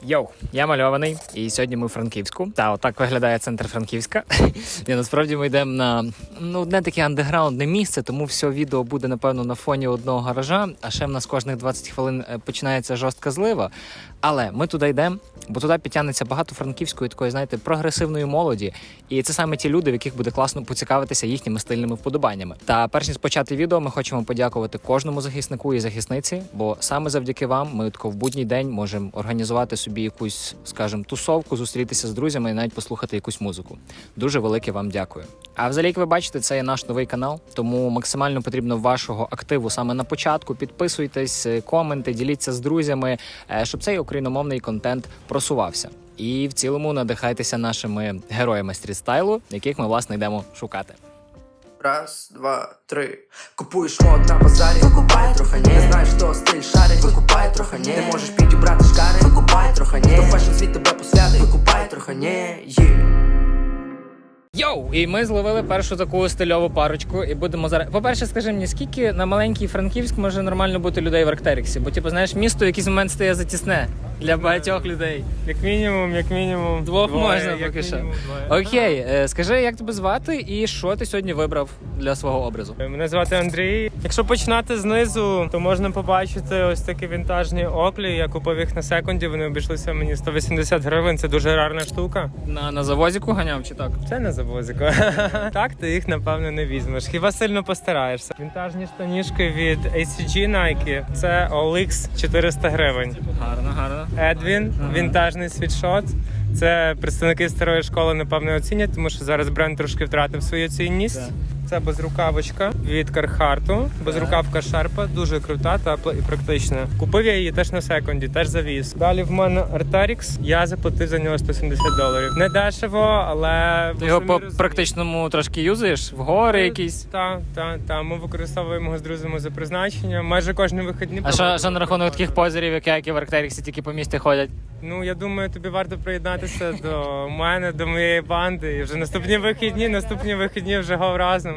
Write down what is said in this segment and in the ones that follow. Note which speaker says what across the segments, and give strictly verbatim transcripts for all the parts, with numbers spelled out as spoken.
Speaker 1: Йоу, я мальований, і сьогодні ми у Франківську. Та отак виглядає центр Франківська. І насправді ми йдемо на ну, одне таке андеграундне місце, тому все відео буде, напевно, на фоні одного гаража, а ще в нас кожних двадцять хвилин починається жорстка злива. Але ми туди йдемо, бо туди підтягнеться багато франківської такої, знаєте, прогресивної молоді. І це саме ті люди, в яких буде класно поцікавитися їхніми стильними вподобаннями. Та перш ніж почати відео, ми хочемо подякувати кожному захиснику і захисниці, бо саме завдяки вам ми тако в будній день можемо організувати собі якусь, скажімо, тусовку, зустрітися з друзями і навіть послухати якусь музику. Дуже велике вам дякую. А взагалі, як ви бачите, це є наш новий канал, тому максимально потрібно вашого активу саме на початку. Підписуйтесь, коменти, діліться з друзями, щоб цей україномовний контент просувався. І в цілому надихайтеся нашими героями стрітстайлу, яких ми, власне, йдемо шукати.
Speaker 2: Раз, два, три. Купуєш мод на базарі, викупай трохи ні. Не знаєш, хто стиль шарить, викупай трохи ні. Не можеш підібрати шкари, викупай трохи ні. Хто фешн світ тебе посвятить, викупай трохи ні. Yeah.
Speaker 1: Йоу! І ми зловили першу таку стильову парочку і будемо зараз... По-перше, скажи мені, скільки на маленький Франківськ може нормально бути людей в Арктеріксі? Бо, типу, знаєш, місто в якийсь момент стає затісне для багатьох людей.
Speaker 3: Як мінімум, як мінімум.
Speaker 1: Двох
Speaker 3: двоє,
Speaker 1: можна
Speaker 3: як
Speaker 1: поки що.
Speaker 3: мінімум двоє.
Speaker 1: Окей, е, скажи, як тебе звати і що ти сьогодні вибрав для свого образу?
Speaker 3: Мене звати Андрій. Якщо починати знизу, то можна побачити ось такі вінтажні оклі. Я купив їх на секунді, вони обійшлися мені сто вісімдесят гривень, це дуже рарна штука.
Speaker 1: На, на завозіку ганяв чи так?
Speaker 3: Це не завозико. Так ти їх, напевно, не візьмеш. Хіба сильно постараєшся. Вінтажні штанішки від ей сі джі Nike. Це о ел ікс чотириста гривень.
Speaker 1: Гарно, гарно.
Speaker 3: Едвін, ага. Вінтажний світшот. Це представники старої школи, напевно, оцінять, тому що зараз бренд трошки втратив свою цінність.
Speaker 1: Так.
Speaker 3: Це безрукавочка від Кархарту. Безрукавка Шерпа, дуже крута, тепла і практична. Купив я її теж на секунді, теж завіз. Далі в мене Arc'teryx, я заплатив за нього сто сімдесят доларів. Не дешево, але...
Speaker 1: Ти його по практичному трошки юзаєш? В гори якісь?
Speaker 3: Так, так, так. Ми використовуємо його з друзями за призначенням. Майже кожні вихідні.
Speaker 1: А що, що на рахунок таких позерів, як я, які в Арктеріксі тільки по місті ходять?
Speaker 3: Ну, я думаю, тобі варто приєднатися до мене, до моєї банди. І вже наступні вихідні, наступні вихідні вже гов разом.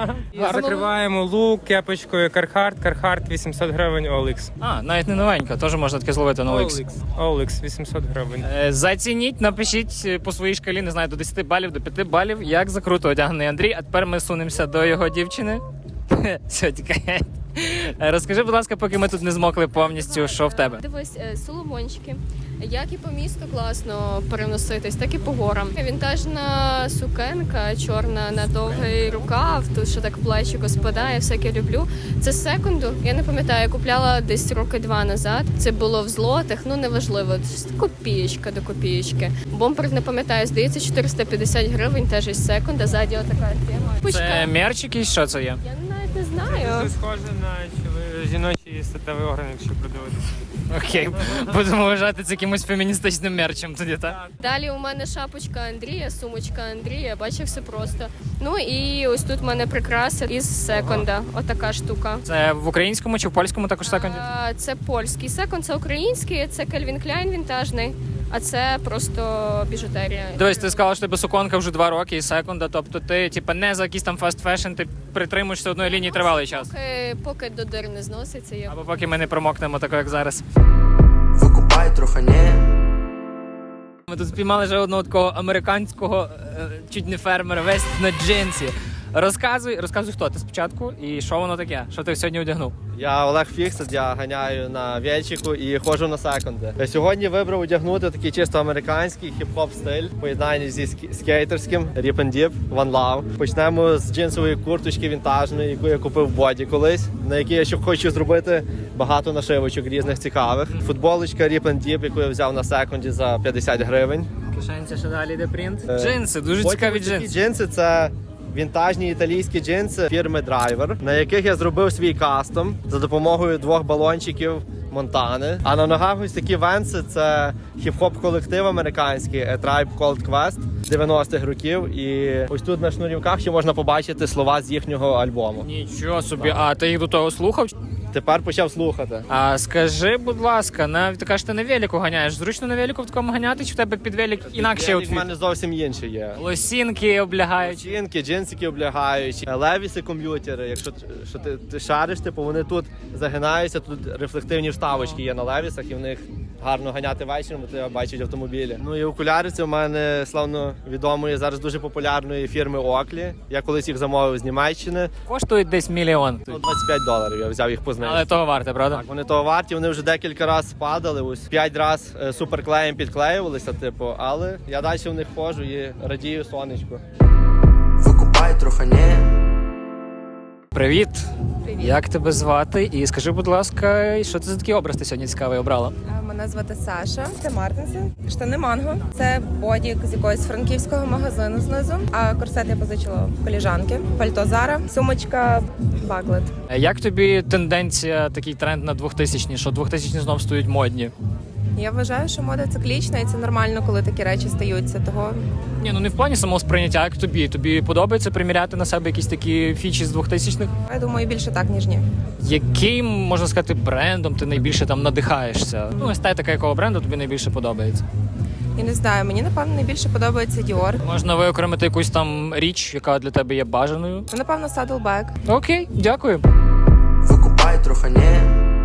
Speaker 3: Закриваємо лук кепочкою Кархарт. Кархарт вісімсот гривень о ел ікс.
Speaker 1: А, навіть не новенька, теж можна таке зловити на о ел ікс.
Speaker 3: о ел ікс вісімсот гривень.
Speaker 1: Е, Зацініть, напишіть по своїй шкалі, не знаю, до десяти балів, до п'яти балів, як закруто одягнений Андрій. А тепер ми сунемося до його дівчини. Все, тікає. Розкажи, будь ласка, поки ми тут не змокли повністю, що в тебе?
Speaker 4: Дивись, соломончики. Як і по місту класно переноситись, так і по горам. Вінтажна сукенка, чорна на довгий рукав, тут що так плечико спадає, всяке люблю. Це з секунду, я не пам'ятаю, купляла десь роки два назад. Це було в злотих, ну неважливо, копієчка до копієчки. Бомпер, не пам'ятаю, здається, чотириста п'ятдесят гривень, теж із секунда, ззаді отака тема.
Speaker 1: Це мерч якийсь, що це є?
Speaker 4: Я навіть не знаю.
Speaker 3: Це схоже на жіночий статевий орган, якщо продивитися.
Speaker 1: Окей, будемо вважати це якимось феміністичним мерчем тоді, так?
Speaker 4: Далі у мене шапочка Андрія, сумочка Андрія, бачив, все просто. Ну і ось тут в мене прикраса із секонда, отака штука.
Speaker 1: Це в українському чи в польському також секонді?
Speaker 4: А, це польський секонд, це український, це Calvin Klein вінтажний, а це просто біжутерія.
Speaker 1: Дивись, ти сказала, що тебе суконка вже два роки і секунда, тобто ти типа не за якийсь там фаст фешн, ти притримуєшся одної лінії тривалий час.
Speaker 4: Поки, поки до дир не зноситься. Я...
Speaker 1: Або поки ми не промокнемо тако, як зараз.
Speaker 2: Викупай трохи ні.
Speaker 1: Ми тут спіймали вже одного такого американського, е, чуть не фермера, весь на джинсі. Розказуй, розказуй, хто ти спочатку і що воно таке, що ти сьогодні одягнув.
Speaker 5: Я Олег Фіксет, я ганяю на вельчику і ходжу на секунди. Сьогодні вибрав одягнути такий чисто американський хіп-хоп стиль, поєднання зі скейтерським, Rip and Dip, One Love. Почнемо з джинсової курточки вінтажної, яку я купив в боді колись, на якій я ще хочу зробити багато нашивочок різних цікавих. Футболочка Rip and Dip, яку я взяв на секунді за п'ятдесят гривень.
Speaker 1: Кишенця, що далі йде принт.
Speaker 5: Е,
Speaker 1: Джинси, дуже
Speaker 5: Потім
Speaker 1: цікаві
Speaker 5: такі
Speaker 1: джинси.
Speaker 5: джинси це вінтажні італійські джинси фірми Driver, на яких я зробив свій кастом за допомогою двох балончиків Монтани. А на ногах ось такі венси, це хіп-хоп колектив американський A Tribe Called Quest дев'яностих років. І ось тут на шнурівках ще можна побачити слова з їхнього альбому.
Speaker 1: Нічого собі, а ти їх до того слухав?
Speaker 5: Тепер почав слухати.
Speaker 1: А скажи, будь ласка, на ти кажеш, ти на велику ганяєш. Зручно на велику в такому ганяти, чи в тебе під велик інакше
Speaker 5: Велик
Speaker 1: аутфіт?
Speaker 5: в мене зовсім інший є.
Speaker 1: Лосінки облягаючі.
Speaker 5: Чинки, джинсики облягаючі, левіси комп'ютери. Якщо що ти, ти шариш, типу вони тут загинаються, тут рефлективні вставочки є на левісах, і в них гарно ганяти вечором, бо тебе бачать автомобілі. Ну і окуляри це у мене славно відомої, зараз дуже популярної фірми Оаклі. Я колись їх замовив з Німеччини.
Speaker 1: Коштують десь мільйон.
Speaker 5: Ну, двадцять п'ять доларів, я взяв їх по знижці.
Speaker 1: Але того варте, правда?
Speaker 5: Так, вони того варті, вони вже декілька разів падали, ось п'ять разів е, суперклеєм підклеювалися, типу, але я далі в них ходжу і радію сонечку.
Speaker 2: Викупай трохане.
Speaker 1: Привіт.
Speaker 6: Привіт.
Speaker 1: Як тебе звати? І скажи, будь ласка, що це за такий образ ти сьогодні цікавий обрала?
Speaker 6: А, Мене звати Саша. Це Мартинси. Штани Манго. Це бодік з якогось франківського магазину знизу. А корсет я позичила в коліжанки. Пальто Зара. Сумочка Баглет.
Speaker 1: Як тобі тенденція, такий тренд на двохтисячні, що двохтисячні знов стають модні?
Speaker 6: Я вважаю, що мода циклічна, і це нормально, коли такі речі стаються. Того
Speaker 1: Ні, ну не в плані самого сприйняття, як тобі. Тобі подобається приміряти на себе якісь такі фічі з двохтисячних?
Speaker 6: я думаю, більше так, ніж ні.
Speaker 1: Яким, можна сказати, брендом ти найбільше там надихаєшся? Ну, естетика якого бренду тобі найбільше подобається?
Speaker 6: Я не знаю, мені напевно найбільше подобається Dior.
Speaker 1: Можна виокремити якусь там річ, яка для тебе є бажаною?
Speaker 6: Ну, напевно, Saddleback.
Speaker 1: Окей, дякую.
Speaker 2: Викупай трохане.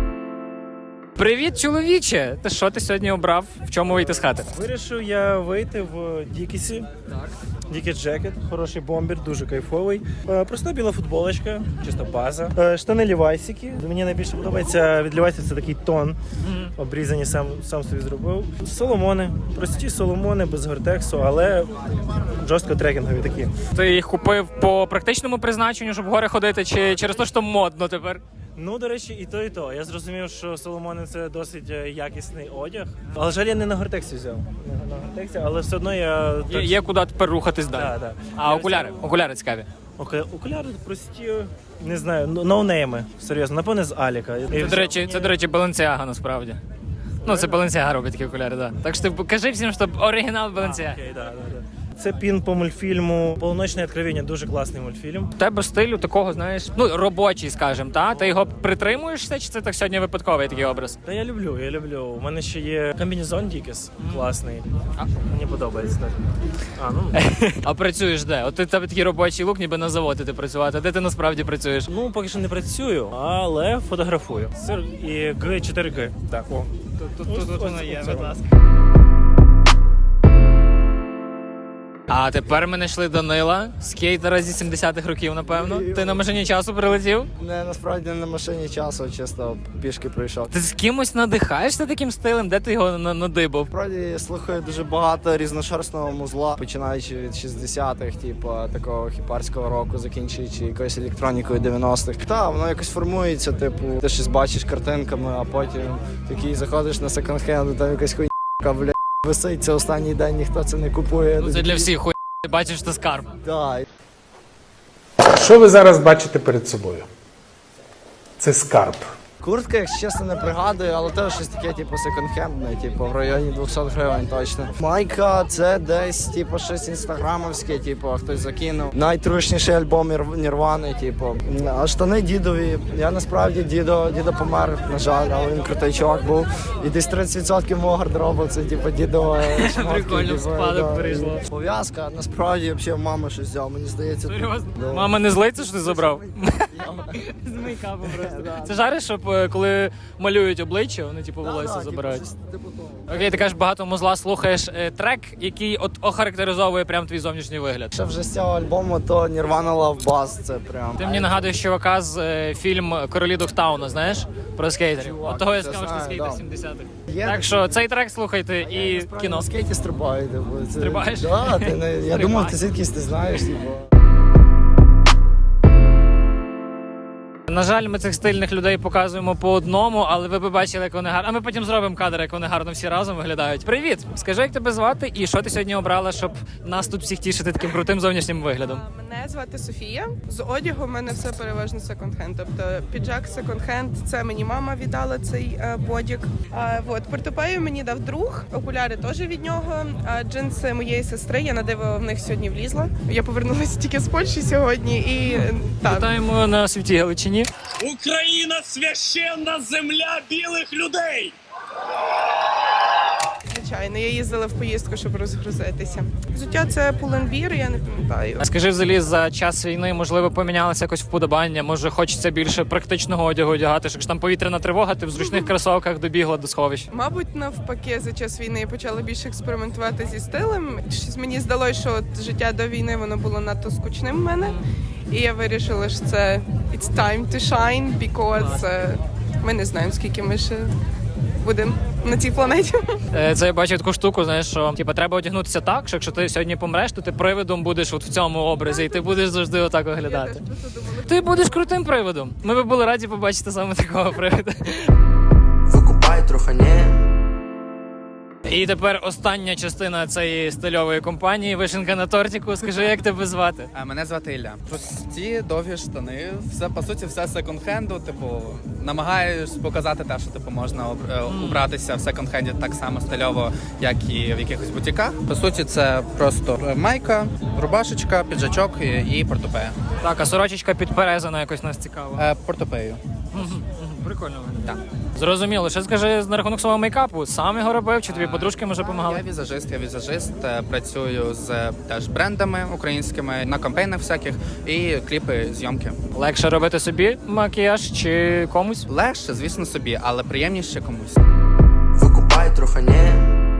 Speaker 1: Привіт, чоловіче! Ти що ти сьогодні обрав? В чому вийти з хати?
Speaker 7: Вирішив я вийти в Дікісі. Так. Дікіс Джекет, хороший бомбер, дуже кайфовий. Е, Проста біла футболочка, чисто база. Е, Штани лівайсики. Мені найбільше подобається від лівайсів це такий тон. Обрізані сам, сам собі зробив. Соломони, прості соломони без гортексу, але жорстко трекінгові такі.
Speaker 1: Ти їх купив по практичному призначенню, щоб в гори ходити, чи через те, що модно тепер?
Speaker 7: Ну, до речі, і то, і то. Я зрозумів, що соломони це досить е, якісний одяг. Але жаль, я не на гортексі взяв. Не на гортексі, але все одно я...
Speaker 1: Є, є куди тепер рухатись далі.
Speaker 7: Да, да.
Speaker 1: А
Speaker 7: Я
Speaker 1: окуляри?
Speaker 7: взяв-
Speaker 1: Окуляри цікаві.
Speaker 7: Окей, окуляри прості, не знаю, ноунейми, серйозно, напевне з Аліка.
Speaker 1: Це, до речі, це, до речі, Balenciaga насправді. Ну, це Balenciaga робить такі окуляри, так. Да. Так що ти кажи всім, що оригінал Balenciaga.
Speaker 7: Окей, да, да, да. Це пін по мультфільму «Полуночне откровення», дуже класний мультфільм.
Speaker 1: У тебе стилю такого, знаєш, ну, робочий, скажімо, та? Ти його притримуєшся, чи це так сьогодні випадковий такий образ?
Speaker 7: Та я люблю, я люблю. У мене ще є комбінезон Дікіс, класний. Мені подобається. Так. А, ну.
Speaker 1: А працюєш де? От ти тебе такий робочий лук, ніби на заводі ти працювати. Де ти насправді працюєш?
Speaker 7: Ну, поки що не працюю, але фотографую. Це і Г чотири Г. Так, о.
Speaker 1: Тут,
Speaker 7: Ось-
Speaker 1: тут воно
Speaker 7: ось
Speaker 1: є,
Speaker 7: це.
Speaker 1: будь ласка. А тепер ми знайшли Данила, скейтера зі сімдесятих років, напевно. Ти на машині часу прилетів?
Speaker 8: Не, насправді не на машині часу, чисто пішки прийшов.
Speaker 1: Ти з кимось надихаєшся таким стилем? Де ти його на- надибав?
Speaker 8: Насправді слухаю дуже багато різношерстного музла, починаючи від шістдесятих, типу такого хіпарського року, закінчуючи якоюсь електронікою дев'яностих. Та воно якось формується, типу, ти щось бачиш картинками, а потім такий заходиш на секонд-хенд, там якась хуйня, бля, висить, це останній день, ніхто це не купує.
Speaker 1: Ну це для всіх хуй. Ти бачиш, що скарб.
Speaker 8: Так.
Speaker 9: Що ви зараз бачите перед собою? Це скарб.
Speaker 8: Куртка, якщо чесно, не пригадую, але теж щось таке, типу, секонд-хендне, типу, в районі двісті гривень точно. Майка, це десь, типу, щось інстаграмовське, типу, хтось закинув. Найтрушніший альбом Нір- Нірвани, типу. А штани дідові. Я насправді дідо, дідо помер, на жаль, але він крутий чувак був. І десь тридцять відсотків мого гардеробу це, типу, дідо шмотки.
Speaker 1: Прикольно, в
Speaker 8: типу,
Speaker 1: спадок
Speaker 8: да.
Speaker 1: перейшло.
Speaker 8: Пов'язка, насправді, взагалі, мама щось взяла, мені здається.
Speaker 1: Серйозно?
Speaker 8: Да.
Speaker 1: Мама не злиться, що ти забрав? З мейкапом просто. Це жариш, щоб е, коли малюють обличчя, вони типу
Speaker 8: Да,
Speaker 1: волосся
Speaker 8: да, типу,
Speaker 1: забирають.
Speaker 8: щось типу того.
Speaker 1: Окей, ти кажеш, багато музла слухаєш е, трек, який от охарактеризовує прям твій зовнішній вигляд.
Speaker 8: Ще вже з цього альбому, то Nirvana Love Buzz, це прям.
Speaker 1: Ти мені нагадуєш чувака з е, фільм Королі Догтауна, знаєш? Про скейтерів.
Speaker 8: Чувак,
Speaker 1: От того я
Speaker 8: це
Speaker 1: сказав, що
Speaker 8: знаю,
Speaker 1: скейтер
Speaker 8: да.
Speaker 1: сімдесятих.
Speaker 8: Є
Speaker 1: Так
Speaker 8: таке.
Speaker 1: що цей трек слухайте і
Speaker 8: Насправді
Speaker 1: кіно.
Speaker 8: на скейті стрибаю. Типу. Це...
Speaker 1: Стрибаєш?
Speaker 8: Да, ти не... Я
Speaker 1: Стрибай.
Speaker 8: думав, ти звідкись ти знаєш. Типу.
Speaker 1: На жаль, ми цих стильних людей показуємо по одному, але ви б бачили, як вони гарно. А ми потім зробимо кадр, як вони гарно всі разом виглядають. Привіт! Скажи, як тебе звати і що ти сьогодні обрала, щоб нас тут всіх тішити таким крутим зовнішнім виглядом?
Speaker 10: Мене звати Софія. З одягу в мене все переважно секонд-хенд. Тобто піджак секонд-хенд, це мені мама віддала цей е, бодік. А, от, портупею мені дав друг, окуляри теж від нього. А джинси моєї сестри, я на диво в них сьогодні влізла. Я повернулася тільки з Польщі сьогодні і е, так.
Speaker 1: Вітаємо на світі Галичині.
Speaker 11: Україна священна земля білих людей.
Speaker 10: звичайно. Я їздила в поїздку, щоб розгрузитися. Взуття це Pull&Bear, я не пам'ятаю.
Speaker 1: А скажи, взагалі, за час війни, можливо, помінялося якось вподобання, може хочеться більше практичного одягу одягати, якщо там повітряна тривога, ти в зручних кросовках добігла до сховища.
Speaker 10: Мабуть, навпаки, за час війни я почала більше експериментувати зі стилем. Щось мені здалося, що от життя до війни воно було надто скучним в мене. І я вирішила, що це it's time to shine, because е, ми не знаємо, скільки ми ще будемо на цій планеті.
Speaker 1: Е, Це я бачив таку штуку, знаєш, що типу, треба одягнутися так, що якщо ти сьогодні помреш, то ти привидом будеш от в цьому образі, і ти будеш завжди отак
Speaker 10: Я
Speaker 1: виглядати.
Speaker 10: теж про це думала.
Speaker 1: Ти будеш крутим привидом. Ми би були раді побачити саме такого привида.
Speaker 2: Викупай трохи не.
Speaker 1: І тепер остання частина цієї стильової компанії «Вишенка на тортику». Скажи, як тебе звати?
Speaker 11: А, Мене звати Ілля. Прості, довгі штани. Все, по суті, все секонд-хенду. Типу, намагаюсь показати те, що типу можна об- е, убратися в секонд-хенді так само стильово, як і в якихось бутіках. По суті, це просто майка, рубашечка, піджачок і, і портупея.
Speaker 1: Так, а сорочечка підперезана якось нас цікаво.
Speaker 11: Е, портупею.
Speaker 1: Прикольно виглядає. Зрозуміло. Ще скажи на рахунок свого мейкапу. Сам його робив, чи тобі подружки може
Speaker 11: Я
Speaker 1: допомагали?
Speaker 11: візажист, я візажист, е, працюю з е, теж брендами українськими на кампейнах всяких і кліпи, зйомки.
Speaker 1: Легше робити собі макіяж чи комусь?
Speaker 11: Легше, звісно, собі, але приємніше комусь.
Speaker 2: Викупай трохи не.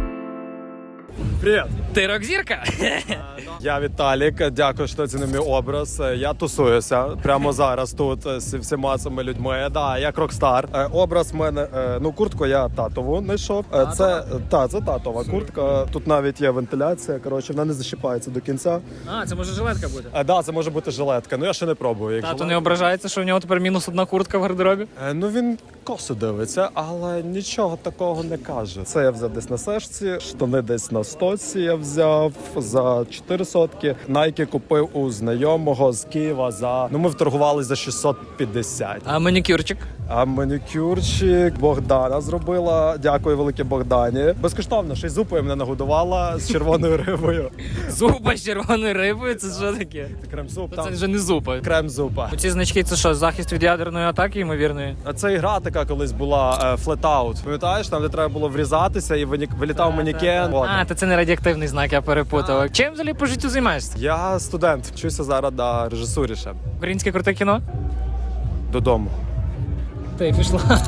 Speaker 12: Привіт,
Speaker 1: Ти рок-зірка?
Speaker 12: я Віталік. Дякую, що це не мій образ. Я тусуюся прямо зараз тут з всіма цими людьми. Да, як рокстар. Е, Образ в мене, е, ну куртку я татову знайшов. Е, Це та це татова куртка. Тут навіть є вентиляція. Коротше, вона не защіпається до кінця.
Speaker 1: А, це може жилетка бути.
Speaker 12: Е, Да, це може бути жилетка. Ну я ще не пробую. Як
Speaker 1: Тато
Speaker 12: жилетка.
Speaker 1: не ображається, що в нього тепер мінус одна куртка в гардеробі?
Speaker 12: Е, Ну він косо дивиться, але нічого такого не каже. Це я взяв десь на сешці, штани десь на стоці я взяв за чотири сотки. Найки купив у знайомого з Києва за, ну ми вторгували за шістсот п'ятдесят.
Speaker 1: А манікюрчик?
Speaker 12: А манікюрчик Богдана зробила. Дякую велике Богдані. Безкоштовно, ще й зупою мене нагодувала з червоною рибою.
Speaker 1: Зупа з червоною рибою? Це що таке?
Speaker 12: Крем-суп,
Speaker 1: Це
Speaker 12: там
Speaker 1: вже не зупа.
Speaker 12: крем-зупа.
Speaker 1: Ці значки це що, захист від ядерної атаки, ймовірної?
Speaker 12: А це ігра така колись була флет-аут. Пам'ятаєш, там де треба було врізатися і винік- вилітав манікен. От.
Speaker 1: А, то це не радіоактивний знак, я перепутав. Чим взагалі по життю займаєшся?
Speaker 12: Я студент, вчуся зараз на режисурі ще.
Speaker 1: Українське круте кіно?
Speaker 12: Додому.
Speaker 1: Ти пішла.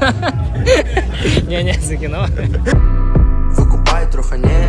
Speaker 1: Ні-ні, це кіно.
Speaker 2: Викупай трохи не.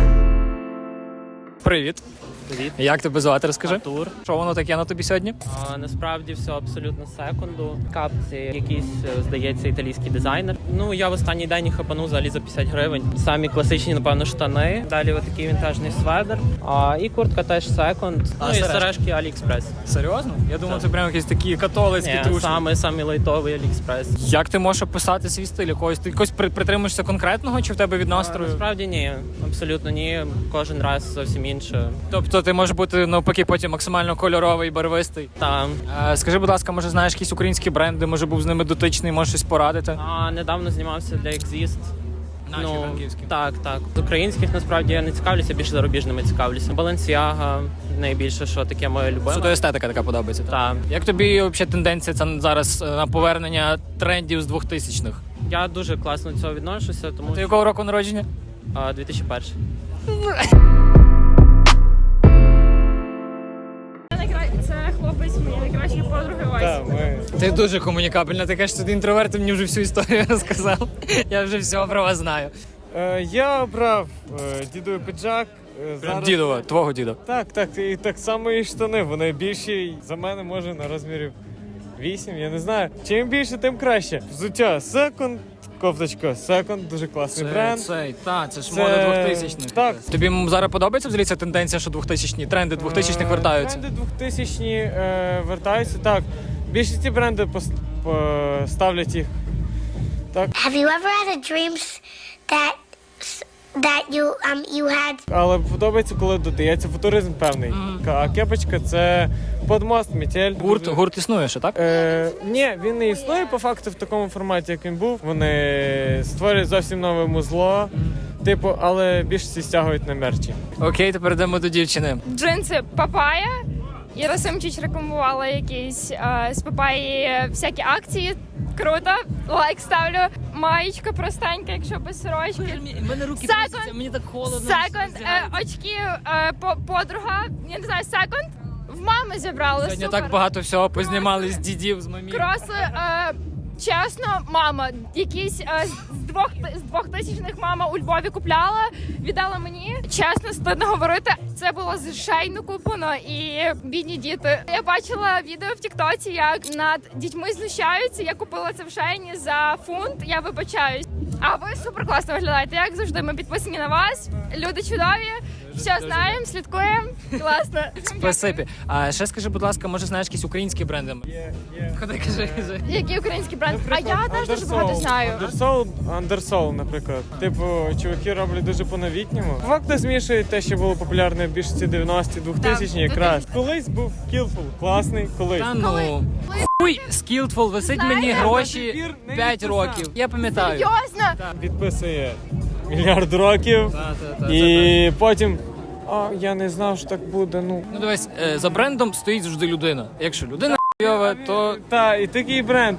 Speaker 1: Привіт.
Speaker 13: Привіт.
Speaker 1: Як тебе звати, розкажи?
Speaker 13: Артур.
Speaker 1: Що воно таке на тобі сьогодні?
Speaker 13: А, насправді все абсолютно секунду. Капці якийсь, е, здається, італійський дизайнер. Ну, я в останній день їх хапанув взагалі за п'ятдесят гривень. Самі класичні, напевно, штани. Далі отакий вінтажний сведер. А, і куртка теж секунд.
Speaker 1: А,
Speaker 13: Ну і
Speaker 1: сережки?
Speaker 13: сережки Аліекспрес.
Speaker 1: Серйозно? Я думав,
Speaker 13: Так.
Speaker 1: це прямо якісь такі католицькі
Speaker 13: Ні,
Speaker 1: трушні.
Speaker 13: саме, саме лайтовий Аліекспрес.
Speaker 1: Як ти можеш описати свій стиль? Якогось ти якось при- притримуєшся конкретного, чи в тебе від
Speaker 13: А,
Speaker 1: настрою?
Speaker 13: насправді ні, абсолютно ні. Кожен раз зовсім інше.
Speaker 1: Тобто ти можеш бути навпаки потім максимально кольоровий, барвистий.
Speaker 13: Там.
Speaker 1: Е, Скажи, будь ласка, може знаєш якісь українські бренди, може був з ними дотичний, можеш щось порадити?
Speaker 13: А, недавно знімався для Exist.
Speaker 1: Наші франківські.
Speaker 13: Так, так. З українських насправді я не цікавлюся, більше зарубіжними цікавлюся. Balenciaga найбільше, що таке моє любиме.
Speaker 1: Суто естетика така подобається.
Speaker 13: Так.
Speaker 1: Як тобі взагалі тенденція це зараз е, на повернення трендів з двохтисячних?
Speaker 13: Я дуже класно до цього відношуся, тому
Speaker 1: Ти
Speaker 13: що
Speaker 1: якого року народження?
Speaker 13: а, дві тисячі перший.
Speaker 4: Це хлопець моєї найкращої подруги Васі.
Speaker 1: Ти дуже комунікабельна, ти кажеш, що ти інтроверт, ти мені вже всю історію розказав. Я вже все про вас знаю.
Speaker 3: Е, я обрав е, дідовий піджак. Е,
Speaker 1: Прям дідова, твого діда.
Speaker 3: Так, так, і так само і штани. Вони більші за мене, може, на розмірів вісім, я не знаю. Чим більше, тим краще. Взуття секонд, кофточка секонд, дуже класний бренд.
Speaker 1: Цей, та, це ж
Speaker 3: Це-
Speaker 1: мода двохтисячних.
Speaker 3: так.
Speaker 1: Тобі м, зараз подобається взагалі ця тенденція, що двохтисячні тренди двохтисячних вертаються?
Speaker 3: Тренди двохтисячні е, вертаються, так. Більшості бренди пос, по- ставлять їх. Так.
Speaker 14: Have you ever had a dreams that that you um you had?
Speaker 3: Але подобається, коли додається футуризм певний. А кепочка це подмост, метель.
Speaker 1: Гурт, гурт існує ще, так?
Speaker 3: Е, ні, він не існує по факту в такому форматі, як він був. Вони створюють зовсім нове музло, типу, але більшості стягують на мерчі.
Speaker 1: Окей, тепер йдемо до дівчини.
Speaker 4: Джинси Папая. Іра Семчич рекламувала якісь е, з Папаї всякі акції.
Speaker 15: Круто. Лайк ставлю. Маєчка простенька, якщо без сорочки.
Speaker 1: У мене руки
Speaker 15: Секонд.
Speaker 1: трусяться, мені так холодно.
Speaker 15: Секонд. Е, очки, е, по- подруга. Я не знаю, секонд. В мами зібрали.
Speaker 1: Сьогодні
Speaker 15: Супер.
Speaker 1: так багато всього познімали з дідів, з мамів.
Speaker 15: Кроси, е, чесно, мама, якісь е, з двох з двохтисячних мама у Львові купляла, віддала мені. Чесно, стидно говорити. Це було з шейну куплено і бідні діти. Я бачила відео в Тіктоці, як над дітьми знущаються. Я купила це в шейні за фунт. Я вибачаюсь. А ви супер класно виглядаєте. Як завжди, ми підписані на вас. Люди чудові. Все знаємо, слідкуємо. Класно.
Speaker 1: Спасибі. А ще скажи, будь ласка, може знаєш якісь українські бренди?
Speaker 3: Є, є.
Speaker 1: Ходи, кажи, кажи.
Speaker 15: Який український бренд? А я теж дуже багато знаю.
Speaker 3: Undersoul, Undersoul, наприклад. Типу, чуваки роблять дуже по-новітньому. Факти змішують те, що було популярне більш ці дев'яності, двохтисячні якраз. Колись був Skillful, класний, колись.
Speaker 1: Та ну. Хуй, Skillful, висить мені гроші п'ять років. Я пам'ятаю.
Speaker 15: Серйозно?
Speaker 3: Підписує мільярд років.
Speaker 1: Та, та, та,
Speaker 3: І потім. А я не знав, що так буде. Ну
Speaker 1: Ну дивись, е, за брендом стоїть завжди людина. Якщо людина хуйова, то
Speaker 3: та і такий бренд.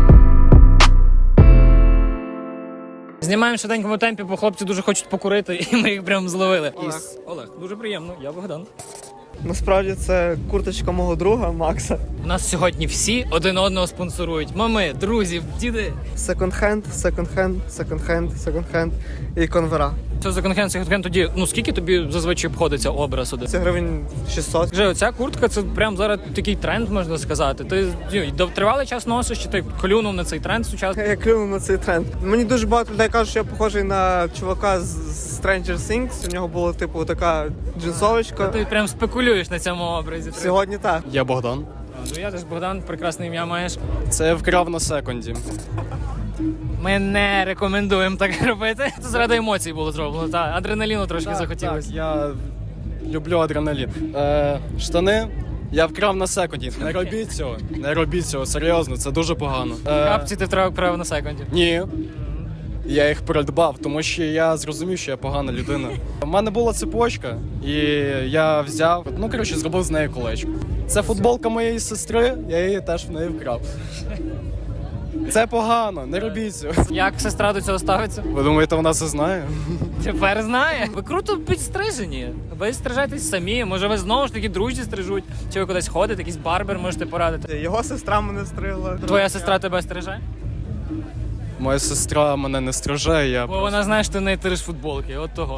Speaker 1: знімаємо в швиденькому темпі, бо хлопці дуже хочуть покурити, і ми їх прям зловили.
Speaker 5: Олег.
Speaker 1: Із- Олег, дуже приємно, я Богдан.
Speaker 5: Насправді це курточка мого друга Макса.
Speaker 1: У нас сьогодні всі один одного спонсорують. Мами, друзі, діди.
Speaker 5: Секонд-хенд, секонд-хенд, секонд-хенд, секонд-хенд і конвера.
Speaker 1: Що за конхен, секонд-хенд тоді, ну скільки тобі зазвичай обходиться образ один?
Speaker 5: Це гривень шістсот.
Speaker 1: Скажи, оця куртка, це прям зараз такий тренд, можна сказати. Ти ну, тривалий час носиш, чи ти клюнув на цей тренд сучасний?
Speaker 5: Я клюнув на цей тренд. Мені дуже багато людей кажуть, що я похожий на чувака з Stranger Things. У нього була типу така джинсовочка.
Speaker 1: Ти прям спекулюєш на цьому образі.
Speaker 5: Сьогодні так.
Speaker 12: Я Богдан.
Speaker 1: Ну я теж Богдан, прекрасне ім'я маєш.
Speaker 12: Це я вкрав на секунді.
Speaker 1: Ми не рекомендуємо так робити. Це заради емоцій було зроблено. Та адреналіну трошки захотілося.
Speaker 12: Так, я люблю адреналін. Е, штани я вкрав на секунді. Не робіть цього. Не робіть цього, серйозно, це дуже погано. Е,
Speaker 1: Капці ти втратив право на секунді.
Speaker 12: ні. Я їх придбав, тому що я зрозумів, що я погана людина. У мене була цепочка, і я взяв, ну коротше, зробив з неї колечко. Це футболка моєї сестри, я її теж в неї вкрав. Це погано, не робіть цього.
Speaker 1: Як сестра до цього ставиться?
Speaker 12: Ви думаєте, вона це знає?
Speaker 1: Тепер знає. Ви круто підстрижені. Ви стрижетесь самі. Може, ви знову ж таки друзі стрижуть? Чи ви кудись ходите, якийсь барбер можете порадити?
Speaker 5: Його сестра мене стригла.
Speaker 1: Твоя сестра тебе стриже?
Speaker 12: Моя сестра мене не стриже, я
Speaker 1: Бо вона знає, що ти не тириш футболки. От того.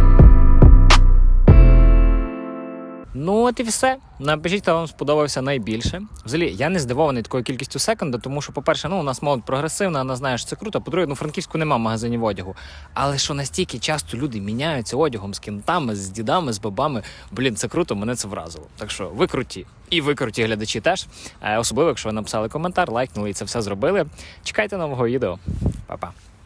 Speaker 1: Ну от і все. Напишіть, хто вам сподобався найбільше. Взагалі, я не здивований такою кількістю секонда, тому що, по-перше, ну у нас молодь прогресивна, вона знає, що це круто. По-друге, ну, в Франківську нема магазинів одягу. Але що настільки часто люди міняються одягом з кінтами, з дідами, з бабами. Блін, це круто, мене це вразило. Так що ви круті. І ви круті глядачі теж. Особливо, якщо ви написали коментар, лайкнули і це все зробили. Чекайте нового відео. Па-па.